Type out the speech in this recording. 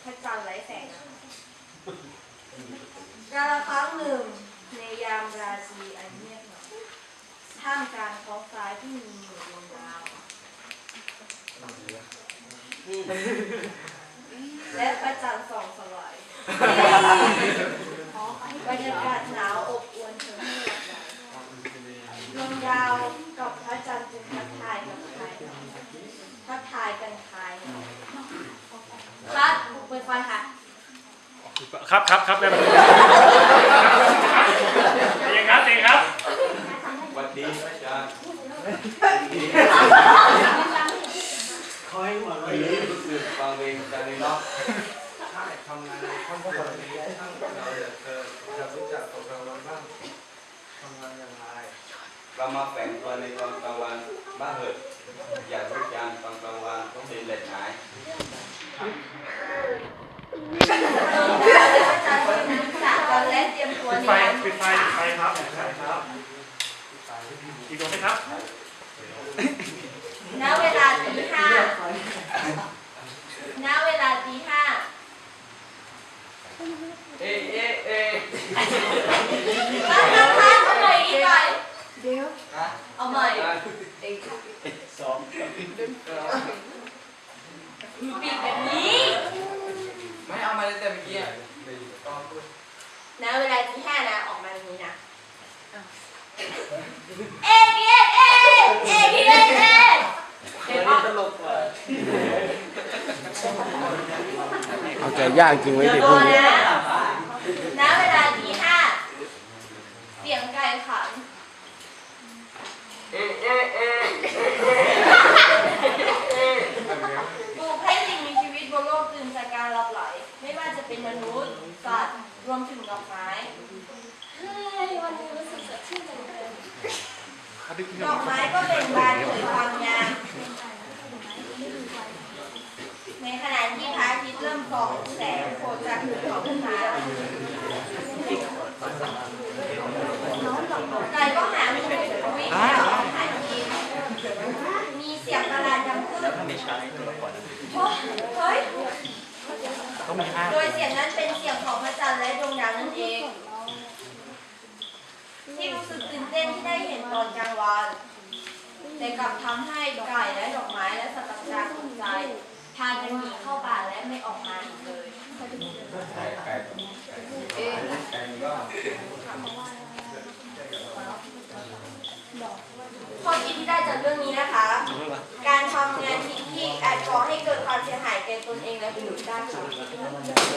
พระจันทร์ไร้แสงกาลครั้งหนึ่งในยามราตรีอันเงียบเหงาท่ามกลางท้องฟ้าที่มีหมู่ดวงดาวและพระจันทร์ส่องสว่างบรรยากาศหนาวอบอวลเธอให้หลับไหลดวงดาวกับพระจันทร์จึงทักทายกันภายในครับเปิดไฟค่ะครับได้ไหมเองครับสวัสดีอาจารย์คอยมาเลยรู้สึกฟังเพลงจากในล็อกทำงานในครอบครัวนี้ทั้งเราอยากรู้จักตอนกลางวันบ้างทำงานอย่างไรเรามาแฝงตัวในตอนกลางวันบ้างเหอะอยากรู้จักตอนกลางวันต้องเป็นเล็ดหายตอนแรกเตรียมตัวนี้ปิดไฟครับอีกดวงไหมครับณเวลาตีห้าเอาใหม่อีกหน่อยเดี๋ยวเอาใหม่สองปิดแบบนี้ไม่เอามาเลยแต่เมื่อกี้ณเวลาตีห้านะออกมาแบบนี้นะตลกว่ะเอาใจย่างจริงไว้ดิพวกนี้ณเวลาตีห้าเสียงไก่ขันปลุกให้สิ่งมีชีวิตบนโลกตื่นจากการหลับไหลไม่ว่าจะเป็นมนุษย์สัตว์รวมถึงดอกไม้วันนี้รู้สึกสดชื่นจังเลยดอกไม้ก็เป็นบานเผยความงามในขณะที่พระอาทิตย์เริ่มส่องแสงโผล่จากหุบเขาขึ้นมาไก่ก็หาวิ่งหาอาหารกินมีเสียงประหลาดดังขึ้นเฮ้ยโดยเสียงนั้นเป็นเสียงของพระจันทร์และดวงดาวนั่นเองที่รู้สึกตื่นเต้นที่ได้เห็นตอนกลางวันแต่กลับทำให้ไก่และดอกไม้และสัตว์ต่างๆตกใจพากันหนีเข้าป่าและไม่ออกมาอีกเลยข้อคิดที่ได้จากเรื่องนี้นะคะ การทำงานที่อาจก่อให้เกิดความเสียหายแก่ตนเองและผู้อื่นได้ค่ะ